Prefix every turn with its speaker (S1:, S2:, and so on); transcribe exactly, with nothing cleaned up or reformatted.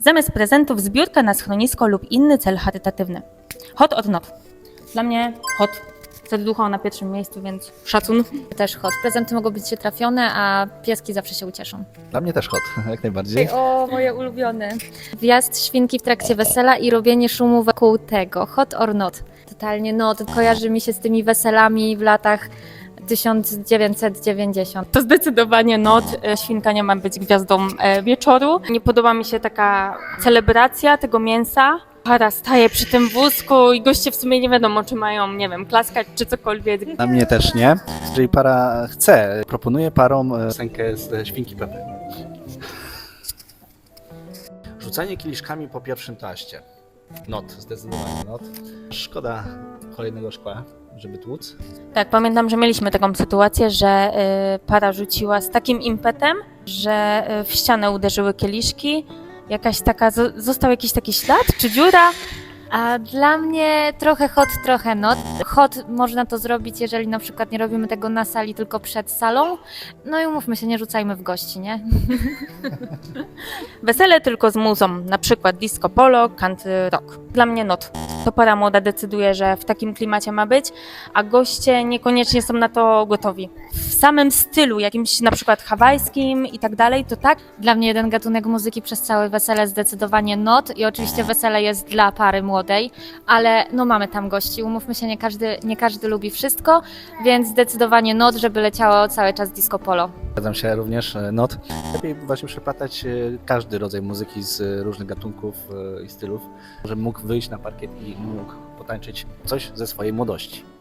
S1: Zamiast prezentów zbiórka na schronisko lub inny cel charytatywny. Hot or not? Dla mnie hot. Serducho na pierwszym miejscu, więc szacun.
S2: Też hot. Prezenty mogą być trafione, a pieski zawsze się ucieszą.
S3: Dla mnie też hot, jak najbardziej.
S2: O, moje ulubione. Wjazd świnki w trakcie wesela i robienie szumu wokół tego. Hot or not? Totalnie not. Kojarzy mi się z tymi weselami w latach tysiąc dziewięćset dziewięćdziesiąt.
S1: To zdecydowanie not. Świnka nie ma być gwiazdą wieczoru. Nie podoba mi się taka celebracja tego mięsa. Para staje przy tym wózku i goście w sumie nie wiadomo, czy mają, nie wiem, klaskać czy cokolwiek.
S3: Na mnie też nie. Jeżeli para chce, proponuję parom piosenkę z Świnki Pepy. Rzucanie kieliszkami po pierwszym taście. Not, zdecydowanie not. Szkoda kolejnego szkła, żeby tłuc.
S1: Tak, pamiętam, że mieliśmy taką sytuację, że y, para rzuciła z takim impetem, że y, w ścianę uderzyły kieliszki. Jakaś taka, zo- został jakiś taki ślad czy dziura?
S2: A dla mnie trochę hot, trochę not. Hot można to zrobić, jeżeli na przykład nie robimy tego na sali, tylko przed salą. No i umówmy się, nie rzucajmy w gości, nie?
S1: Wesele tylko z muzą, na przykład disco polo, country rock. Dla mnie not. To para młoda decyduje, że w takim klimacie ma być, a goście niekoniecznie są na to gotowi. W samym stylu, jakimś na przykład hawajskim i tak dalej, to tak.
S2: Dla mnie jeden gatunek muzyki przez całe wesele zdecydowanie not i oczywiście wesele jest dla pary młodej, ale no mamy tam gości, umówmy się, nie każdy, nie każdy lubi wszystko, więc zdecydowanie not, żeby leciało cały czas disco polo.
S3: Zgadzam się również, not. Lepiej właśnie przeplatać każdy rodzaj muzyki z różnych gatunków i stylów, żeby mógł wyjść na parkiet i mógł potańczyć coś ze swojej młodości.